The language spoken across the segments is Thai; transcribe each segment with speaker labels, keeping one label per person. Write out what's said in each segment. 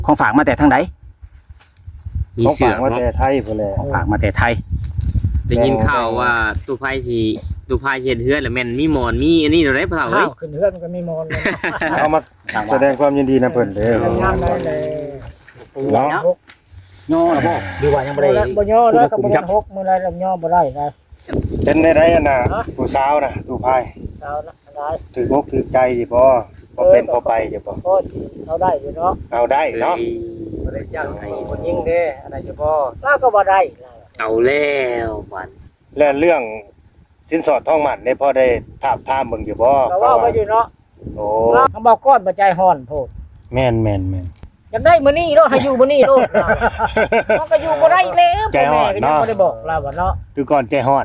Speaker 1: ของฝากมาแต่ทางใด
Speaker 2: มีเสือมาแต่ไทยพุ่นแหละ
Speaker 1: ของฝากมาแต่ไทย
Speaker 3: ได้ยินข่าวว่าตู้ไพ่เฮ็ดเฮือนแล้วแม่นมีหมอนมีอันนี้ได้เปล่าเฮ้ย
Speaker 4: ขึ้นเฮือนมันก็มีมอนเลย
Speaker 2: เอามาแสดงความยินดีนะเพิ่นเด้อ
Speaker 4: งามได้เลย
Speaker 2: เนาะ
Speaker 1: ย่อแล้วบ่หรือว่ายังบ่ได้
Speaker 4: บ่ย่อแล้วก็บ่ได้หกมื้อไรแล้วย่อบ่ได้นะ
Speaker 2: เป็นได้อันน่ะผู้สาวน่ะตู้พาย
Speaker 4: สาวนะได้
Speaker 2: ถือกถือใจสิบ่เป็นพอไปสิบ่
Speaker 4: ก็สิเอาได้อยู่เนาะ
Speaker 2: เอาได้เนาะ
Speaker 5: บ่ได้จ้างให้คนยิงเด้อันนั้นอยู่บ่
Speaker 4: แล้วก็บ่ได้
Speaker 3: เอาแล้วบัด
Speaker 2: และเรื่องสินสอดทองหมันได้พอได้ถามเบิ่งอยู่บ่
Speaker 4: ก็ว่าไปอยู่เนาะ
Speaker 2: โอ้
Speaker 4: เขาบอกก้อนบ่ใจฮ้อนโพด
Speaker 2: แม่น
Speaker 4: อยากได้มื้อนี้โลดให้อยู่มื้อนี้โลดมันก็อยู่บ่ได้แล้วพ่อแม่ก็ยังบ่ได้บอกเราว่าเนาะ
Speaker 2: คือก่อนใจฮ้อน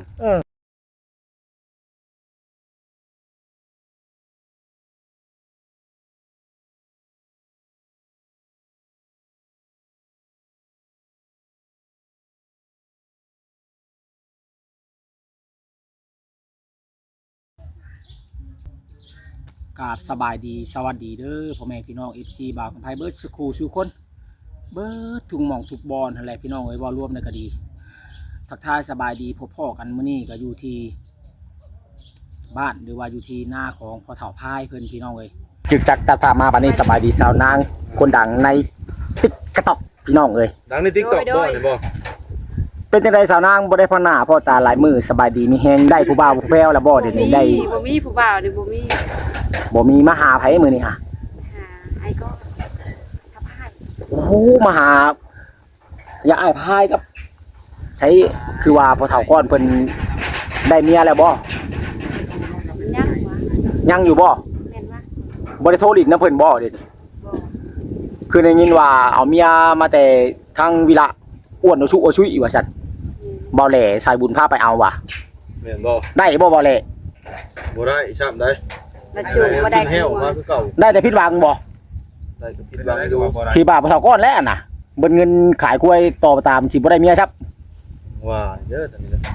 Speaker 1: กราบสบายดีสวัสดีเด้อพ่อแม่พี่น้อง FC บ่าวของไทยเบิร์ดสกูสู่คนเบิร์ดทุกหม่องทุกบอลอะไรพี่น้องเอ้ยบ่รวมในก็ดีทักทายสบายดีพบพ่อกันมื้อนี้ก็อยู่ที่บ้านหรือว่าอยู่ที่หน้าของพ่อเฒ่าพายเพิ่นพี่น้องเอ้ยจึกจักตัดภาพมาบัดนี้สบายดีสาวนางคนดังในติ๊กกระตอกพี่น้องเอ้ย
Speaker 5: ดังใน TikTok บ่ได้บ่
Speaker 1: เป็นจังไดสาวนางบ่ได้พ่อหน้าพ่อตาหลายมือสบายดีมีแฮงได้ผู้บ่าวผู้แพ้วแล้วบ่เดี๋ยวนี้ได้
Speaker 6: บ่มีผู้บ่าวนี่บ่มี
Speaker 1: บ่มีมาหาไผมื้อนี้ฮะ
Speaker 6: หาไอ้ก็ทับให้
Speaker 1: โอ้โหมาหาอย่าอ้ายพายกับใช้คือว่าพอเฒ่าก้อนเพิ่นได้เมียแล้วบ่
Speaker 6: มันยากกว่า
Speaker 1: ยังอยู่บ่
Speaker 6: แม่นว่า
Speaker 1: บ่ได้โทรลิ้นนํเพิ่นบ่เดี๋ยวนี้
Speaker 6: บ่
Speaker 1: คือได้ยินว่าเอาเมียมาแต่ทางวิระอ้วนโอชุโอชุยว่าซั่นบ่แหล่สายบุญพาไปเอาว่ะ
Speaker 5: แม่นบ่
Speaker 1: ได้บ่แหล่
Speaker 5: บ่ได้ช้ำได้
Speaker 6: แล้วจูบบ่ได้
Speaker 5: แห้วมาคือเก่า
Speaker 1: ได้แต่ผิดหวังบ่
Speaker 5: ได้ก็ผิดหวังอยู่
Speaker 1: ที่บ้าพอเฒ่าก้อนแล้วน่ะเบิดเงินขายกล้วยต่อตามสิบ่ได้เมียครับ
Speaker 5: ว่าเยอะตอนนี้นะ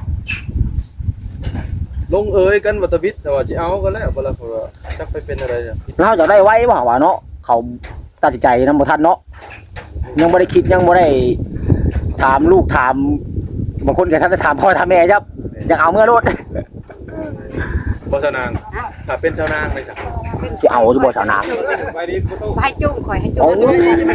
Speaker 5: ลงเอยกันวัตวิทย์แต่ว่าสิเอากันแล้วบ่ล่ะเพราะว่าจักไปเป็นอะไรเนี่ย
Speaker 1: เราจะได้ไว้บ่ว่าเนาะเขาตัดสินใจนำบ่ทันเนาะยังบ่ได้คิดยังบ่ได้ถามลูกถามบางคนก็ท่านจะถามพ่อถามแม่ครับอยากเอาเมื่อรถ
Speaker 5: บ่สาวนางถ้าเป็นชาวนางเลยจ้ะ
Speaker 1: สิเอาอยู่บ่สาวนาง
Speaker 5: ไปดิบ่ต้อง
Speaker 6: ให้จุ้งข่อยให้จุ้
Speaker 1: โอ้
Speaker 6: ง
Speaker 1: ย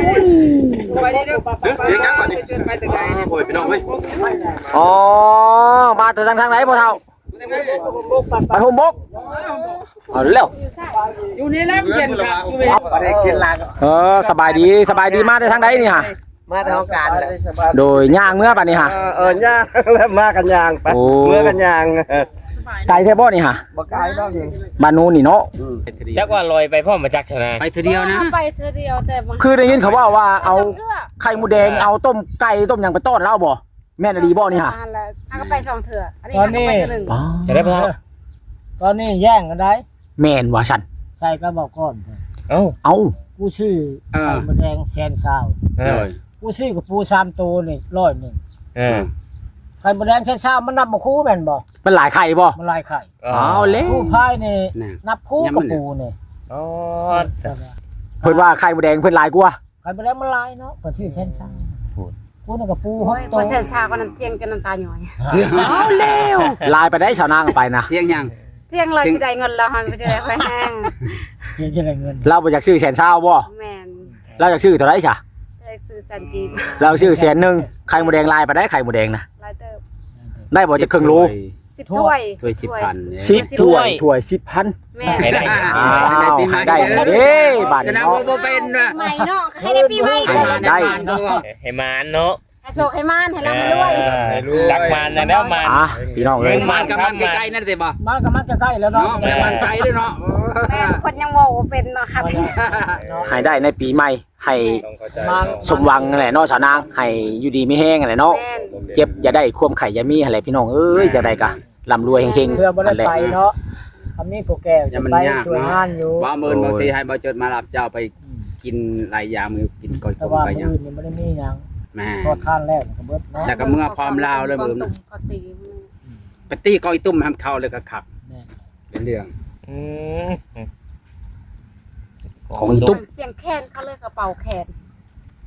Speaker 5: เสียงยังบัดนี้โอ้ยพี่น้องเอ้ย
Speaker 1: อ๋อมาแต่ทางไหนพ่อเฒ่าไปโฮมบกเอาเร็ว
Speaker 5: อยู่นี่แล้วเย็นครับอยู่นี่
Speaker 2: บ่ได้กินลาง
Speaker 1: สบายดีมาแต่ทางไหนนี่ฮะ
Speaker 2: มาทางการแหละ
Speaker 1: โดยย่างเมื่อบัดนี้ฮะ
Speaker 2: ย่างแล้วมากันย่างไป
Speaker 1: โอ้
Speaker 2: เมื่อกันย่าง
Speaker 1: ไกลแท้บ่นี่ฮะ
Speaker 2: บ่ไกลดอกเอง
Speaker 1: บ้านนู้นนี่เนาะ
Speaker 3: จักว่าลอยไปพ่อมาจักชนะไปเทื่อเดียวนะ
Speaker 6: ไปเธอเดียวแต่บาง
Speaker 1: คือได้ยินเขาว่าเอา
Speaker 6: เทื่อ
Speaker 1: ไข่หมูแดงเอาต้มไก่ต้มหยังไปต้อนเล่าบ่แม่นดีบ่นี่ฮะ
Speaker 6: อันละอันก็ไป2เทื่ออันนี้อันก็ไปเทื่อนึง
Speaker 3: จะได้พ่อ
Speaker 4: ตอนนี้แย่งกันได้
Speaker 1: แม่นว่าฉัน
Speaker 4: ใส่กระบอกก้อน
Speaker 3: เอ้า
Speaker 1: เอา
Speaker 4: กูชื่อไข่มดแดงแสนซาว
Speaker 3: เออ
Speaker 4: กูชื่อกับปู3ตัวนี่100
Speaker 3: เออ
Speaker 4: ไข่มดแดงแสนซาวมันนับบ่คู่แม่นบ่
Speaker 1: มันหลายไข่บ่
Speaker 4: มันลายไข่
Speaker 1: เอาเลย
Speaker 4: ผู้พายนี่นับคู่กับปูนี่
Speaker 3: อ๋อ
Speaker 1: เพิ่นว่าไข่หมูแดงเพิ่นหลายกว่า
Speaker 4: ไข่มดแดงมันลายเนาะก็ชื่อแสนซาวกูนี่กับปูห
Speaker 6: โอ้
Speaker 4: ก
Speaker 6: ย
Speaker 4: ตั
Speaker 6: บ่
Speaker 4: ว
Speaker 6: เส้นชาก็น้ำเที่ยงจนน้ำตาหย่อย
Speaker 1: เอาแล้วลายไปได้ชาวนางไปนะ
Speaker 3: เที่ยงยัง
Speaker 6: เที่ยงเราสิได้เงินแล้วหันก็จะได้ค่อยแห้ง
Speaker 4: ยังจะได้เงิน
Speaker 1: เราบ่อยากซื้อแสนเช้าบ่
Speaker 6: แม่น
Speaker 1: เราอยากซื้อเท่าไหร่จ้ะ
Speaker 6: ได้ซื้อสันจีบ
Speaker 1: เราซื้อแสนหนึงไข่หมูแดงลายไปได้ไข่หมูแดงนะ
Speaker 6: หลายเติบ
Speaker 1: ได้บ่จะครึ่งโล
Speaker 6: 10ถ้วย
Speaker 3: ถ้วย10,000
Speaker 1: 10ถ้วย10,000
Speaker 6: แม่
Speaker 3: ให้ได้
Speaker 1: อ้าวให้ได้เด้บัด
Speaker 3: จะ
Speaker 1: นี้
Speaker 3: นับ
Speaker 1: เนาะ
Speaker 3: ว่าบ่เป็นว่ะ
Speaker 6: ใหม่เนาะให้ได้ปีใหม่
Speaker 1: ได้
Speaker 3: ให้มานเนาะ
Speaker 6: ให้โศกให้มานให้ร่ำให้รวย
Speaker 3: จักมานแล้วมาน
Speaker 1: อ่ะพี่น้องเอ้ย
Speaker 3: มานกับมันใกล้ๆนั่นสิบ่
Speaker 4: มันก็มันจะใกล้แล้วเนาะ
Speaker 3: มันไกลเลยเนาะ
Speaker 6: แม่นคนยังเว้าบ่เป็นเนาะครับ
Speaker 1: ให้ได้ในปีใหม่ให้
Speaker 5: ต้องเข้าใจ
Speaker 4: มัน
Speaker 1: สมหวังนั่นแหละเนาะชาวนางให้อยู่ดีไม่แห้งนั่นแหละเนาะ
Speaker 6: แม่น
Speaker 1: เจ็บอย่าได้ความไข่อย่ามีอะไรพี่น้องเอ้ยจะได้กะร่ำรวยเฮง
Speaker 4: เพื่อบ่
Speaker 1: ๆ
Speaker 4: ได้
Speaker 1: นั่นแหละ
Speaker 4: ไปเนาะคำนี้พวกแกจะไปสวยงานอยู่
Speaker 3: บ่มื้อบางทีให้บ่เจิดมารับเจ้าไปกินหลายอย่างมื้อกินก้อย
Speaker 4: แต่
Speaker 3: ต้ม
Speaker 4: ว่า
Speaker 3: ไป
Speaker 4: มื้
Speaker 3: ยัง
Speaker 4: อนี้บ่ได้มีหยัง
Speaker 3: แม่
Speaker 4: ทอดทานแล้วก็เบิดเนาะ
Speaker 3: แล้วก็เมื่อพร้อมลาวเลยมื้อ
Speaker 6: ตุ้
Speaker 3: นั้น
Speaker 6: มก็ตีมือ
Speaker 3: ไปตี้ก้อยตุ้มทำเข้าเลยก็ขับ
Speaker 4: แม่
Speaker 3: เป็นเรื่อง
Speaker 1: ของอีตุ๊บ
Speaker 6: เสียงแคนเขาเลยกระเป๋าแขน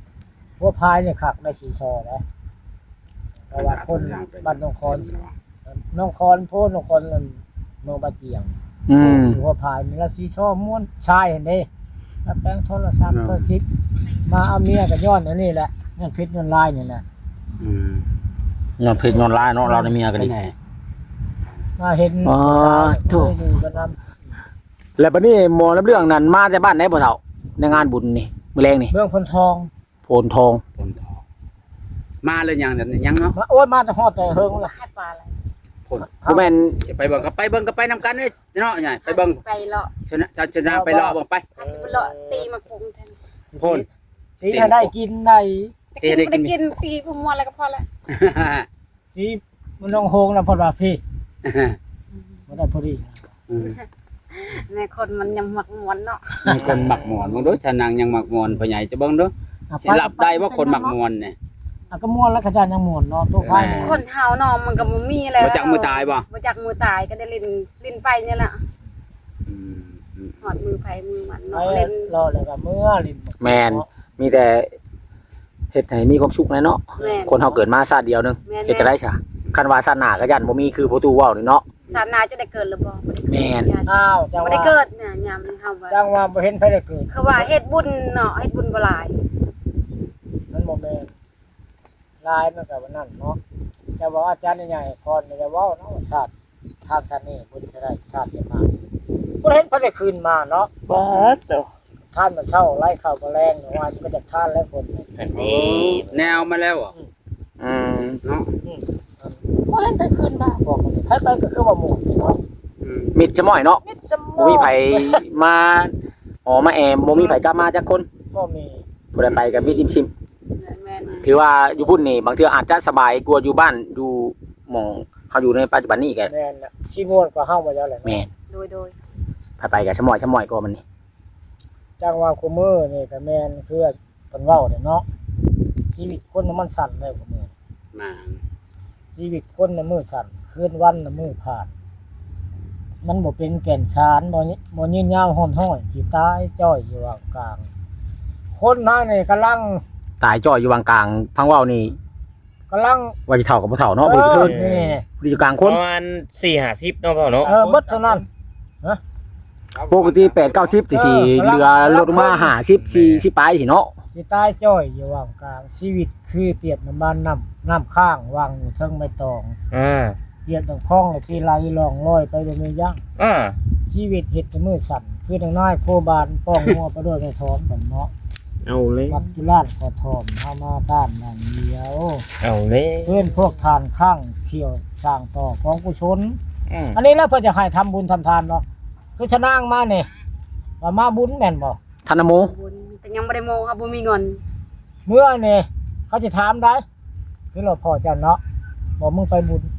Speaker 4: หัวพายเนี่ยคักได้สีซอนะแต่ว่าคนบ้านน้องคอนโพนน้องคอนนั่นเมืองบาเจียง หัวพายนี่ละสีซอม้วนชายเห็นเด้แล้วแป้งโทรศัพท์ก็ซิปมาเอาเมียกับย้อนอันนี้แหละเงินเพชรเงินลายนี่แหละ
Speaker 1: นอนเพชรนอนลายเนาะเราได้เมียกันดิ
Speaker 4: มาเห็น
Speaker 1: อ๋อถูก
Speaker 4: ดูกันน
Speaker 1: แล้วบัดนี้หมอรับเรื่องนั้นมาแต่บ้านไหนบ่เฒ่าในงานบุญนี่มื้อแรงนี่
Speaker 4: เมืองพนทอง
Speaker 1: โพนทอง
Speaker 7: มาเลยยังนั่นยังเนาะ
Speaker 4: มาโอ้ยมาแต่ฮอดแต่เฮิงล่ะ
Speaker 6: ให้ปลาอะไร
Speaker 1: บ่แม่น
Speaker 7: จะไปเบิ่งก็ไปเบิ่งก็ไปนำกันเด้เนาะใหญ่ไปเบิ่ง
Speaker 6: ไปเลาะ
Speaker 7: ชนะไปรอเบิ่งไป
Speaker 6: หาสิบเลาะตีมาปรุงแทน
Speaker 7: โพ่น
Speaker 4: สีให้ได้กินได้
Speaker 6: แต่กินไม่ได้กินตีพวกมัวอะไรก็พอแล้ว
Speaker 4: สีมันน้องโฮงนะพอว่าพี่บ่ได้พอดี
Speaker 6: ในคนมันยังหมักหมวนเนาะ
Speaker 7: มีคนหมักหมอนมึงดูชนางยังหมักหมอนพ่อใหญ่จะเบิ่งดูสิหลับได้ว่าคนหมักหมอนเนี่ย
Speaker 4: ก็ม่วนแล้วก็จานยังม่วนเนาะตัวไผ
Speaker 6: คนเฮาเนาะมันก็บ่มีแล้ว
Speaker 7: บ่จักมือตายบ่
Speaker 6: บ่จักมือตายก็ได้ลิ้นไปนี่แหละหอดมือไผมือมัน
Speaker 4: ไป
Speaker 6: เนาะเล่น
Speaker 4: รอแล้วก็เมื่อลิ้น
Speaker 1: แม่นมีแต่เฮ็ดให้มีความสุขนะเนาะ
Speaker 6: แม่น
Speaker 1: คนเฮาเกิดมาชาติเดียวหนึง
Speaker 6: แม่น
Speaker 1: เฮ็ดจะได้ซะคันว่าชาติหน้าก็ยันบ่มีคือประตูเว้านี่เนาะ
Speaker 6: ศาสนาจะได้เกิดหรือบ่
Speaker 1: แม่น
Speaker 4: อ้าวจัง
Speaker 6: บ่
Speaker 4: ว่า
Speaker 6: ได้เกิดเนี่ยยามนี้เฮาว่า
Speaker 4: จังว่าบ่เห็นไผได้เกิด
Speaker 6: คือว่าเฮ็ดบุญเนาะเฮ็ดบุญบ่หลาย
Speaker 4: มันบ่แม่นลายมันก็ว่านั่นเนาะจะบอกอาจารย์ใหญ่ๆพรจะเว้าเนาะศาสตร์ทางชาตินี้บุญจะได้ชาติจะมาบ่เห็นไผได้คืนมาเนาะ
Speaker 3: บ่เจ้า
Speaker 4: ท่านมันเช่าไล่ข้าวแรงว่ามันก็จะท่านแล้วคน
Speaker 3: อันนี้
Speaker 7: แนวมาแล้วอ่ะ
Speaker 1: อืม
Speaker 7: เนาะ
Speaker 4: บ่เห็นได้คืนมาบอกมันไผไปก็คือว่าหมู่นี่เนาะ
Speaker 1: มิดจะม่อยเนาะ
Speaker 4: มิดสม
Speaker 1: บ่มีไผมาอ๋อมาแอมบ่มีไผกล้ามาจักคน
Speaker 4: ก็มี
Speaker 1: ผู้ใดไปก็มีอิ่มชิม
Speaker 6: แม่น
Speaker 1: ถือว่าอยู่พุ่นนี่บางเทื่ออาจจะสบายกว่าอยู่บ้านอยู่หม่องเฮาอยู่ในปัจจุบันนี้แก
Speaker 4: แม่นน่ะสิม่วนกว่าเฮามาแล้วแหละ
Speaker 1: แม่น
Speaker 6: โดย
Speaker 1: ไปก็ชะม่อยกว่ามันนี่
Speaker 4: จังว่าคุมื้อนี่ก็แม่นคือเพิ่นเว้าเนี่ยเนาะชีวิตคนน่ะมันสั้นเลยคุมื้อ
Speaker 7: มา
Speaker 4: ชีวิตคนน่ะมื้อสั้นคืนวันน่ะมื้อผ่าน มันบ่เป็นแก่นสารบ่ยืนยาวฮ้อนห้อยสิตายจ้อยอยู่ว่างกลางคนหน้านี่กำลัง
Speaker 1: ตายจ่อยอยู่วางกลางพังเว้านี่
Speaker 4: กำลัง
Speaker 1: ว่าสิเฒ่ากับบ่เฒ่าเนาะบ่ได้เทิน
Speaker 4: นี่
Speaker 1: บ่ได้อยู่กลางค
Speaker 3: ป
Speaker 1: น
Speaker 3: ระมาณ4-50เนาะพ่อเนาะ
Speaker 4: เบิดเท่านั้น
Speaker 1: ปกติ8 90สิเหลือลดลงมา50 40ปลายสิเนาะ
Speaker 4: สิตายจ้อยอยู่ว่างกลางชีวิตคือเปรียบน้ำมันน้ำข้างวางอยู่เทิงใบตองเปรียบดังคลองและที่ไหลล่องลอยไปบ่มียั้งชีวิตเฮ็ดแต่มือสั่นคือดังน้อยโคบานป้องมัวไปด้วยไม่ถอนบันเนาะ
Speaker 3: เอาเลย
Speaker 4: วัดจุฬาขอทอมเฮามาต้านนั่นเดียว
Speaker 3: เอาเลย
Speaker 4: เพื่อนพวกทานข้างเที่ยวสร้างต่อของกุศลอันนี้แล้วเพิ่นจะให้ทำบุญทำทานเนาะคือชะนางมานี่ว่ามาบุญแม่นบ่
Speaker 1: ธนโม
Speaker 6: ๆบุญแต่ยังบ่ได้โมครับบ่มีเงิน
Speaker 4: เมื่อนี่เขาจะถามได้คือเราพอเจ้าเนาะบอกมึงไปบุญ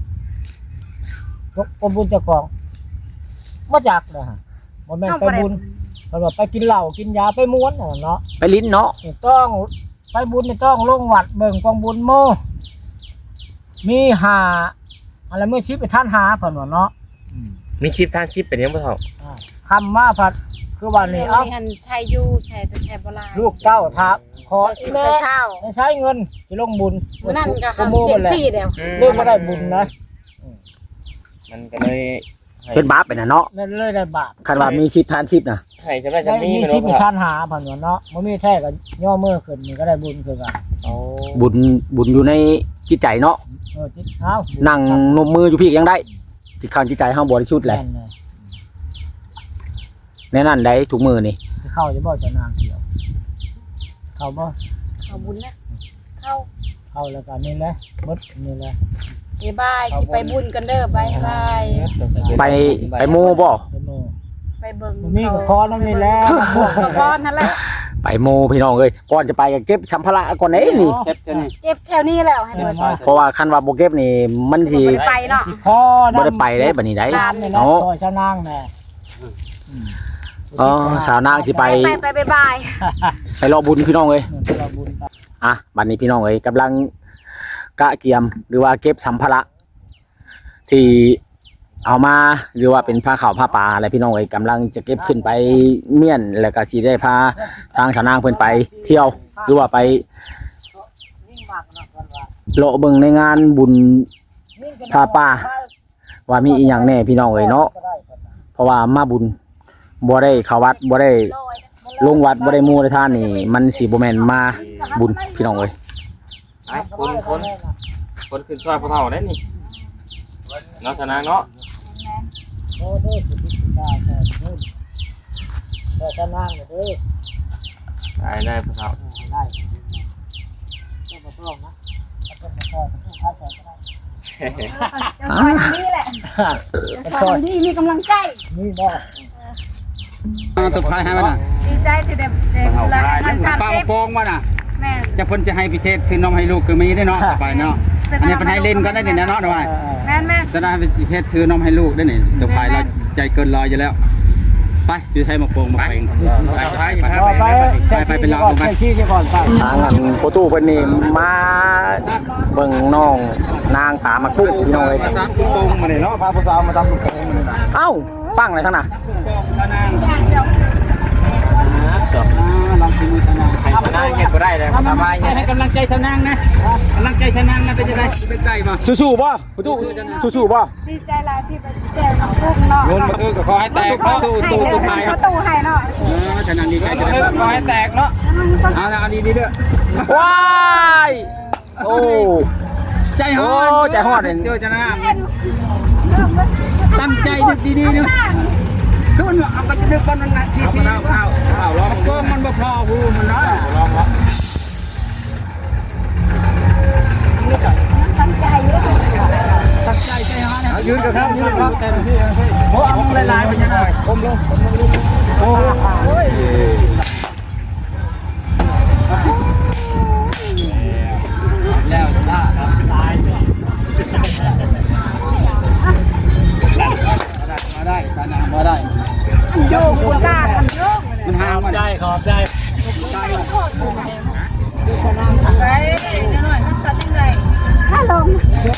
Speaker 4: บุญเจ้าของมาจากนะฮะบ่แม่นไปบุญเพิ่นว่าไปกินเหล้ากินยาไปม้วนเนาะ
Speaker 1: ไปลิ้นเนาะ
Speaker 4: นี่ต้องไปบุญนี่ต้องลงวัดเบิ่งกองบุญโมมีหาอะไรมื้อชิปไปท่านหาเพิ่นว่าเนาะ
Speaker 3: มีชิปทางชิปเป็นยังบ่เฒ่า
Speaker 4: คำมาพัดคือว่านี่
Speaker 6: เดี๋ยว
Speaker 4: เอ้า
Speaker 6: นี้หันใช้อยู่ใช้แต่ใช้บ่หลาย
Speaker 4: ลูกเต้าทักขอ
Speaker 6: ใช้
Speaker 4: อี
Speaker 6: สิบ
Speaker 4: แม่
Speaker 6: ใช้เช้า
Speaker 4: ไม่ใช้เงินสิลงบุญ
Speaker 6: มื้อนั้นก็
Speaker 4: ข
Speaker 6: หัน
Speaker 4: โมย
Speaker 6: เสีย
Speaker 4: แหละ
Speaker 6: ซี่เดียว
Speaker 4: เรื่องบ่ได้บุญนะ
Speaker 3: มันก็เลยให้
Speaker 1: เป็นบาปไปน่ะเนาะ
Speaker 4: นั่นเลยได้บาป
Speaker 1: คันว่ามีชิปทานชิปน่ะ
Speaker 3: ให้จะได้จะ
Speaker 4: ได้
Speaker 3: มี
Speaker 4: มี
Speaker 3: ไม่
Speaker 4: ชิ
Speaker 3: รู้
Speaker 4: ปมี
Speaker 3: ครับ
Speaker 4: ท่านหาเพิ่นว่าเนาะบ่มีแท้ก็ย่อมือขึ้นนี่ก็ได้บุญคือกัน
Speaker 3: เอา
Speaker 1: บุญอยู่ในจิตใจเนาะ
Speaker 4: จิตเอ้า
Speaker 1: นั่งนมมืออยู่พี่ยังได้จิตข้างจิตใจเฮาบริสุทธิ์แหละ
Speaker 4: แม่นเลย
Speaker 1: แน่นั่นได้ทุกมือนี่
Speaker 4: สิเข้าจะบ่จะนางเขียวเข้าบ่
Speaker 6: เข้าบุญนะเข้า
Speaker 4: เข้าแล้วก็นี่แหละหมดนี่แหละ
Speaker 6: บายสิไปบุญกันเด้อบาย
Speaker 1: ไปโมบ่
Speaker 4: ไปโม
Speaker 6: ไปเบิ่ง
Speaker 4: มีก็ขอนั่นนี่แหละพวก
Speaker 6: ก็พอนั่นแหละ
Speaker 1: ไปโมพี่น้องเอ้ยก่อนจะไปก็เก็บสัมภาระก่อนเด้นี่
Speaker 7: เก็บเท่านี้
Speaker 6: เจ็บแถวนี้แล้วให้เบิ่ง
Speaker 1: เพราะว่าคันว่าบ่เก็บนี่มันสิ
Speaker 6: บ่ได้ไปเนาะ
Speaker 4: ขอ
Speaker 1: บ่ได้ไปได้บัดนี้ได้
Speaker 4: ตามนี่แหละ
Speaker 1: เนาะ
Speaker 4: ขอชะนางแน่
Speaker 1: อ๋อสาวนางสิไป
Speaker 6: ไปบาย
Speaker 1: ไปรอบุญพี่น้องเอ้ย
Speaker 4: เงินเราบุญไป
Speaker 1: อ่ะบัดนี้พี่น้องเอ้ยกำลังกะเกียมหรือว่าเก็บสัมภาระที่เอามาหรือว่าเป็นผ้าขาวผ้าป่าอะไรพี่น้องเอ้ยกำลังจะเก็บขึ้นไปเมี่ยนแล้วก็สิได้พาทางสาวนางเพิ่นไปเที่ยวหรือว่าไปเลาะเบิ่งในงานบุญพาป่าว่ามีอีหยังแน่พี่น้องเอ้ยเนาะเพราะว่ามาบุญบ่ได้เข้าวัดบ่ได้ลงวัดบ่ได้มู่ได้ทานนี่มันสิบ่แม่นมาบุญพี่น้องเอ้ย
Speaker 3: ไปคนขึ้นช่วยพวกเราได้นี่เนาะชนะเนาะ
Speaker 4: โอ้เด้อสิพิจารณาแต่ชนะเด้อ
Speaker 3: ได้พวกเรา
Speaker 4: ได้ก็บ่ต้องนะก็บ่ต้องค่าใช้ก็ได้
Speaker 6: จะซอยนี่แหละจะซอยนี่มีกำลังใจ
Speaker 4: นี่บ่
Speaker 7: เอาตัวพายให้มันน่ะ
Speaker 6: ดีใจที่ได้ละพันสาม
Speaker 7: เป้า
Speaker 6: สิบ
Speaker 7: โป่งมันน่ะ
Speaker 6: แม่
Speaker 7: จะเพิ่นจะให้พิเศษซื้อนมให้ลูกคือมีได้เนาะไปเนาะอันนี้เพิ่นให้เล่นก็ได้นี่นะเนาะด้วย
Speaker 6: แม่แม่
Speaker 7: จะได้พิเศษซื้อนมให้ลูกได้นี่ตัวพายเราใจเกินร้อยอยู่แล้วไปอยู่ใช้มาโป่งมาเป่งไปเป็นเราไป
Speaker 4: ชี้ก่อนไป
Speaker 1: ทางอันโปตู้เพิ่นนี่มาเบิ่งน้องนางตามากุ้งพี่น้องเอ้ย
Speaker 2: ซักลูกโป่งมาเนี่ยเนาะพาผู้สาวมาทำลูกโป่งมาเนี่ย
Speaker 1: เอ้าปังอะไรทั้งน่ะ
Speaker 7: ลองชิมมือชนะ
Speaker 3: ใครชนะเฮ็ดบ่ได้เลยสบายเฮ็ด
Speaker 7: ให้กำลังใจชนะนะกำลังใจชนะนะเป็นจะได้เป็นได้ป่ะ
Speaker 1: สู้ๆบ่โปตู้สู้ๆบ่
Speaker 6: ดีใจหลายที่ไปแจกน้ำพุเนาะ
Speaker 2: เงินมาคือก็ขอให้แตกเนาะ
Speaker 6: ตู้ไห้ตู้ไห้เนาะ
Speaker 7: ชนะดีใจจะได้
Speaker 2: ขอให้แตกเนาะ
Speaker 7: เอาดีดีด้วย
Speaker 1: ว้ายโอ้
Speaker 7: ใจฮอดเจอชนะตั้งใจดีดีด้วยทุนเอาไปจะดึกกันนั่นทีทีเอาลองก็มันบ่พอหูมันนะลองละ
Speaker 6: ตั้งใจเยอะ
Speaker 7: ตั้งใจใจฮอด
Speaker 2: ยืนกันครับยืนครับเต็มที่โอ้เอาลายๆไปยังไงก้มลงโอ้ย
Speaker 7: แล้วจ้ามาได้ชนะมาได้
Speaker 6: โยกหัวตากันโยก
Speaker 7: มันห่างมันได้ขอบได้
Speaker 6: ไปเดี๋ยวหน่อยมันตัดยังไงถ้าลง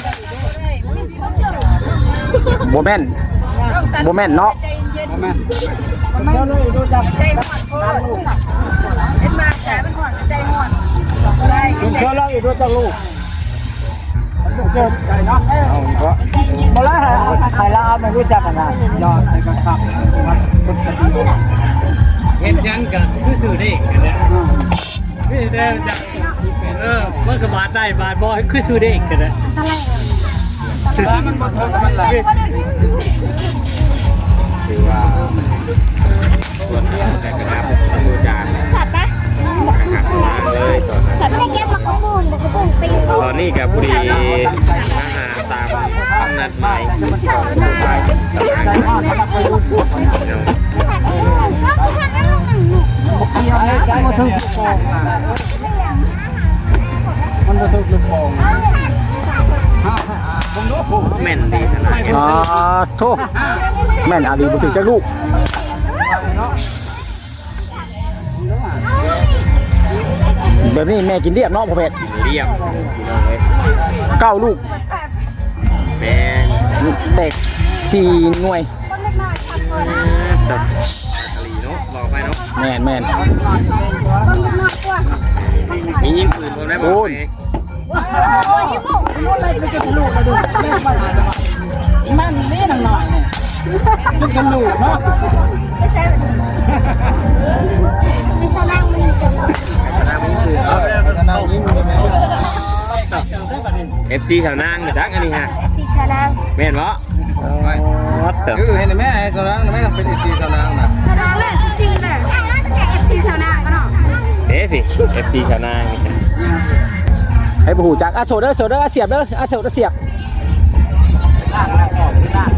Speaker 1: บ่แม่นบ่แม่นเนาะ
Speaker 6: ใจเย็น
Speaker 7: แม่
Speaker 6: มันไม่ใจหอนโคตรเป็นมาใจมันหอนใจหอนได้
Speaker 4: คุณเชื่อเราอีกด้วยจ้าลูกเกิดใจเนาะ
Speaker 2: เอาก็
Speaker 4: บ่ละใครละเอาไม่รู้จักกันนะยอดใส่กันครับ
Speaker 3: เฮ็ดยังก็คือซื้อได้กันแหละพี่ได้จักมันก็บาทได้บาทบ่คือซื้อได้กันแหละ
Speaker 7: มันบ่ทนมันละถือว่าส่วนแต่กระทำดูจาน
Speaker 6: สัตว์ปะ
Speaker 7: เลยตอนนั้น
Speaker 6: สัตว์ไม่ได้แก้มากระปุนตี
Speaker 3: ตอนนี้กับบุรีอาหารตามคำนัดหมายไปแม่นดีขนาดนี้
Speaker 1: อ๋อโทษแม่นอาลีบ่ถึงจักลูกแบบนี้แม่กินเรียบเนาะพ่อเพชร
Speaker 3: เรียบ
Speaker 1: 9ลูก
Speaker 3: แม่น
Speaker 1: แตก4หน่วย
Speaker 3: ตัดเนาะบอกไปเนาะ
Speaker 1: แม่น
Speaker 3: มียิงปืนผมได้บอกไป
Speaker 4: มันเล่นหน่อยเนี่ยมันกันลูกเนาะ
Speaker 6: ไม่ใช่นั่งมันจะหลับ
Speaker 3: ชนะมึงคือเนาะ
Speaker 2: นั่งยิ้มเลยแม่
Speaker 3: FC ชาวนางจักอันนี้ฮะ
Speaker 6: ตีชนะ
Speaker 3: แม่นบ่วัดเติบ
Speaker 2: คือเห็นแม่ไอ้ตัวนั้นแม่เป็นอีซีสนางน่ะ
Speaker 6: ชนะเลยจริงเลยเอฟซีชนะก็เนาะ
Speaker 3: เด้สิ FC ชาวนางนี่
Speaker 1: ให้บ่ฮู้จักโซเด้อเสียบเด้อโซเด้อเสียบ